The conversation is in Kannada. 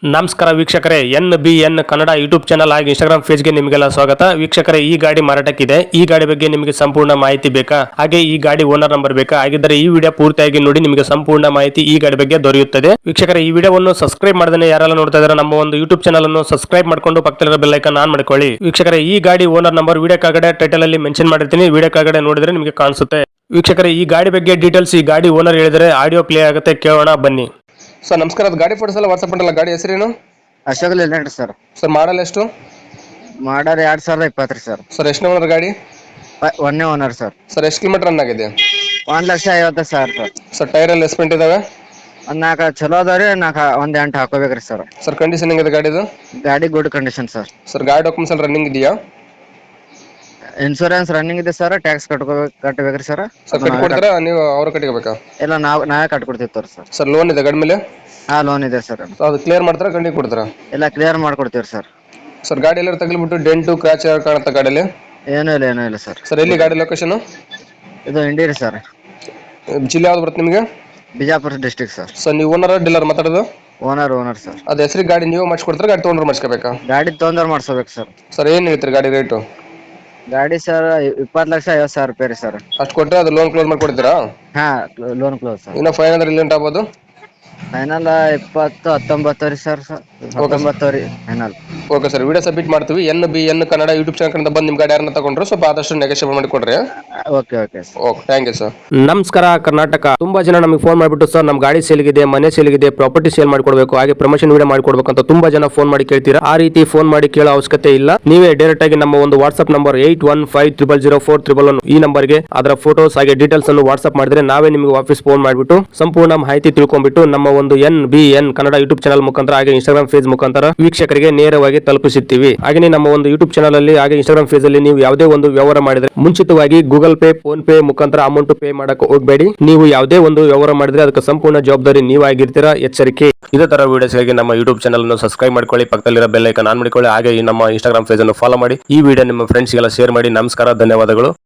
ನಮಸ್ಕಾರ ವೀಕ್ಷಕರೇ, NBN ಕನ್ನಡ ಯೂಟ್ಯೂಬ್ ಚಾನಲ್ ಹಾಗೂ ಇನ್ಸ್ಟಾಗ್ರಾಮ್ ಪೇಜ್ಗೆ ನಿಮಗೆಲ್ಲ ಸ್ವಾಗತ. ವೀಕ್ಷಕರೇ, ಈ ಗಾಡಿ ಮಾರಾಟಕ್ಕಿದೆ. ಈ ಗಾಡಿ ಬಗ್ಗೆ ನಿಮಗೆ ಸಂಪೂರ್ಣ ಮಾಹಿತಿ ಬೇಕಾ? ಹಾಗೆ ಈ ಗಾಡಿ ಓನರ್ ನಂಬರ್ ಬೇಕಾ? ಹಾಗಿದ್ದರೆ ಈ ವಿಡಿಯೋ ಪೂರ್ತಿಯಾಗಿ ನೋಡಿ, ನಿಮಗೆ ಸಂಪೂರ್ಣ ಮಾಹಿತಿ ಈ ಗಾಡಿ ಬಗ್ಗೆ ದೊರೆಯುತ್ತದೆ. ವೀಕ್ಷಕರೇ, ಈ ವಿಡಿಯೋವನ್ನು ಸಬ್ಸ್ಕ್ರೈಬ್ ಮಾಡದೇ ಯಾರೆಲ್ಲ ನೋಡ್ತಾ ಇದ್ದಾರೆ ನಮ್ಮ ಒಂದು ಯೂಟ್ಯೂಬ್ ಚಾನಲ್ ಅನ್ನು ಸಬ್ಸ್ಕ್ರೈಬ್ ಮಾಡ್ಕೊಂಡು ಪಕ್ಕದಲ್ಲಿರೋ ಬೆಲ್ ಐಕಾನ್ ಆನ್ ಮಾಡ್ಕೊಳ್ಳಿ. ವೀಕ್ಷಕರೇ, ಈ ಗಾಡಿ ಓನರ್ ನಂಬರ್ ವಿಡಿಯೋ ಕೆಳಗಡೆ ಟೈಟಲ್ ಅಲ್ಲಿ ಮೆನ್ಷನ್ ಮಾಡಿರ್ತೀನಿ, ವಿಡಿಯೋ ಕೆಳಗಡೆ ನೋಡಿದ್ರೆ ನಿಮಗೆ ಕಾಣಿಸುತ್ತೆ. ವೀಕ್ಷಕರೇ, ಈ ಗಾಡಿ ಬಗ್ಗೆ ಡೀಟೇಲ್ಸ್ ಈ ಗಾಡಿ ಓನರ್ ಹೇಳಿದರೆ ಆಡಿಯೋ ಪ್ಲೇ ಆಗುತ್ತೆ, ಕೇಳೋಣ ಬನ್ನಿ. ಸರ್ ನಮಸ್ಕಾರ, ಅದು ಗಾಡಿ ಫೋಟೋಸ್ ಎಲ್ಲ ವಾಟ್ಸಪ್ ಮಾಡಲ್ಲ. ಗಾಡಿ ಹೆಸರೇನು? Ashok Leyland sir. Sir model ಎಷ್ಟು? Model 2020 sir. ಸರ್ ಎಷ್ಟು ಓನರ್ ಗಾಡಿ? ಒಂದೇ ಓನರ್ ಸರ್. ಸರ್ ಎಷ್ಟು ಕಿಲೋಮೀಟರ್ ರನ್ ಆಗಿದೆ? 1,50,000 ಸರ್. ಸರ್ ಟೈರ್ ಎಲ್ಲ ಎಸ್ಪೆಂಟ್ ಇದಾವೆ? ಒಂದ್ 4 ಚಲೋ ಅದಾವ್ರಿ, ಒಂದ್ 8 ಹಾಕೋಬೇಕ್ರಿ ಸರ್. ಸರ್ ಕಂಡೀಷನ್ ಹೆಂಗಿದೆ ಗಾಡಿದು? ಗಾಡಿ ಗುಡ್ ಕಂಡೀಷನ್ ಸರ್. ಸರ್ ಗಾಡಿ ಡಾಕ್ಯುಮೆಂಟ್ಸ್ ಎಲ್ಲ ರನ್ನಿಂಗ್ ಇದೆಯಾ? ಇನ್ಶೂರೆನ್ಸ್ ರನ್ನಿಂಗ್ ಇದೆ ಸರ್. ಟ್ಯಾಕ್ಸ್ ಕಟ್ಟಬೇಕ್ರಿ ಸರ್. ಸರ್ ಕಟ್ಕೊಡ್ತಾರಾ ನೀವು ಅವ್ರ ಕಟ್ಕೋಬೇಕಾ? ಇಲ್ಲ, ನಾವೇ ಕಟ್ಕೊಡ್ತೀವಿ ಸರ್. ಸರ್ ಲೋನ್ ಇದೆ ಗಾಡಿ ಮೇಲೆ? ಹಾ, ಲೋನ್ ಇದೆ ಸರ್. ಅದು ಕ್ಲಿಯರ್ ಮಾಡ್ತಾರಾ ಕಂಡಿ ಕೊಡ್ತಾರಾ? ಎಲ್ಲ ಕ್ಲಿಯರ್ ಮಾಡ್ಕೊಡ್ತೀವಿ ಸರ್. ಸರ್ ಗಾಡಿ ಎಲ್ಲ ತಗಲಿಬಿಟ್ಟು ಡೆಂಟು ಕ್ರಾಚ್ ಕಾಣುತ್ತಾ ಗಾಡಿಯಲ್ಲಿ? ಏನೂ ಇಲ್ಲ ಸರ್. ಸರ್ ಎಲ್ಲಿ ಗಾಡಿ ಲೊಕೇಶನ್? ಇದು ಇಂಡಿರಿ ಸರ್. ಜಿಲ್ಲೆ ಯಾವ್ದು ಬರುತ್ತೆ ನಿಮಗೆ? Bijapur district sir. ಸರ್ ನೀವು ಓನರ್ ಡೀಲರ್ ಮಾತಾಡೋದು? Owner sir. ಅದು ಹೆಸರಿಗೆ ಗಾಡಿ ನೀವು ಮಾಡಿಸ್ಕೊಡ್ತಾರೆ, ಗಾಡಿ ತೊಗೊಂಡ್ರೆ ಮಾಡಿಸ್ಕೋಬೇಕಾ? ಗಾಡಿ ತೊಂದರೆ ಮಾಡ್ಸೋಬೇಕು ಸರ್. ಸರ್ ಏನು ಹೇಳ್ತೀರಿ ಗಾಡಿ ರೇಟು? ಗಾಡಿ ಸರ್ 20,50,000 ರೂಪಾಯಿ ರೀ ಸರ್. ಅಷ್ಟು ಕೊಟ್ಟರೆ ಅದು ಲೋನ್ ಕ್ಲೋಸ್ ಮಾಡಿಕೊಡ್ತೀರಾ? ಹಾ, ಲೋನ್ ಕ್ಲೋಸ್ ಸರ್. ಇನ್ನು ಫೈನ್ ಅಂದ್ರೆ ಇಲ್ಲಿ ಆಗ್ಬೋದು? ಫೈನಲ್ 20-19 ರೀ ಸರ್. 19 ರೀ final. Okay sir, video submit ಮಾಡ್ತೀವಿ. NBN ಕನ್ನಡ ಯೂಟ್ಯೂಬ್ ಚಾನಲ್ ಕಡೆಯಿಂದ ಬಂದು ನಿಮ್ಮ ಗಾಡಿ ಯಾರನ್ನ ತಗೊಂಡ್ರೆ ಸ್ವಲ್ಪ ಆದಷ್ಟು ನೆಗೋಷಿಯೇಟ್ ಮಾಡಿ ಕೊಡ್ರಿ. Okay thank you sir. ನಮಸ್ಕಾರ ಕರ್ನಾಟಕ. ತುಂಬಾ ಜನ ನಮಗೆ ಫೋನ್ ಮಾಡಿಬಿಟ್ಟು ಸರ್ ನಮ್ಮ ಗಾಡಿ ಸೇಲ್ಗಿದೆ, ಮನೆ ಸೇಲ್ಗಿದೆ, ಪ್ರಾಪರ್ಟಿ ಸೇಲ್ ಮಾಡಿಕೊಡ್ಬೇಕು, ಹಾಗೆ ಪ್ರಮೋಷನ್ ವಿಡಿಯೋ ಮಾಡಿಕೊಡ್ಬೇಕು ಅಂತ ತುಂಬಾ ಜನ ಫೋನ್ ಮಾಡಿ ಕೇಳ್ತೀರಾ. ಆ ರೀತಿ ಫೋನ್ ಮಾಡಿ ಕೇಳೋ ಅವಶ್ಯಕತೆ ಇಲ್ಲ. ನೀವೇ ಡೈರೆಕ್ಟ್ ಆಗಿ ನಮ್ಮ ಒಂದು ವಾಟ್ಸ್ಆಪ್ ನಂಬರ್ 81500411 ಈ ನಂಬರ್ಗೆ ಅದರ ಫೋಟೋಸ್ ಹಾಗೆ ಡೀಟೇಲ್ಸ್ ಅನ್ನು ವಾಟ್ಸ್ಆಪ್ ಮಾಡಿದ್ರೆ ನಾವೇ ನಿಮಗೆ ವಾಪಸ್ ಫೋನ್ ಮಾಡಿಬಿಟ್ಟು ಸಂಪೂರ್ಣ ಮಾಹಿತಿ ತಿಳ್ಕೊಂಡ್ಬಿಟ್ಟು ನಮ್ಮ ಒಂದು NBN ಕನ್ನಡ ಯೂಟ್ಯೂಬ್ ಚಾನಲ್ ಮುಖಾಂತರ ಹಾಗೆ ಇನ್ಸ್ಟಾಗ್ರಾಮ್ ಪೇಜ್ ಮುಖಾಂತರ ವೀಕ್ಷಕರಿಗೆ ನೇರವಾಗಿ ತಲುಪಿಸುತ್ತೀವಿ. ಹಾಗೆ ನಮ್ಮ ಒಂದು ಯೂಟ್ಯೂಬ್ ಚಾನಲ್ ಅಲ್ಲಿ ಹಾಗೆ ಇನ್ಸ್ಟಾಗ್ರಾಮ್ ಪೇಜ್ ಅಲ್ಲಿ ನೀವು ಯಾವುದೇ ಒಂದು ವ್ಯವಹಾರ ಮಾಡಿದ್ರೆ ಮುಂಚಿತವಾಗಿ ಗೂಗಲ್ ಪೇ, ಫೋನ್ ಪೇ ಮುಖಾಂತರ ಅಮೌಂಟ್ ಪೇ ಮಾಡಕ್ಕೆ ಹೋಗಬೇಡಿ. ನೀವು ಯಾವುದೇ ಒಂದು ವ್ಯವಹಾರ ಮಾಡಿದ್ರೆ ಅದಕ್ಕೆ ಸಂಪೂರ್ಣ ಜವಾಬ್ದಾರಿ ನೀವಾಗಿರ್ತೀರಾ, ಎಚ್ಚರಿಕೆ. ಇದೇ ತರ ವಿಡಿಯೋಸ್ಗಾಗಿ ನಮ್ಮ ಯೂಟ್ಯೂಬ್ ಚಾನಲ್ ಅನ್ನು ಸಬ್ಸ್ಕ್ರೈಬ್ ಮಾಡ್ಕೊಳ್ಳಿ, ಪಕ್ಕದಲ್ಲಿರೋ ಬೆಲ್ ಐಕಾನ್ ಆನ್ ಮಾಡಿಕೊಳ್ಳಿ, ಹಾಗೆ ಈ ನಮ್ಮ ಇನ್ಸ್ಟಾಗ್ರಾಮ್ ಪೇಜ್ ಅನ್ನು ಫಾಲೋ ಮಾಡಿ. ಈ ವಿಡಿಯೋ ನಿಮ್ಮ ಫ್ರೆಂಡ್ಸ್ಗೆಲ್ಲ ಶೇರ್ ಮಾಡಿ. ನಮಸ್ಕಾರ, ಧನ್ಯವಾದಗಳು.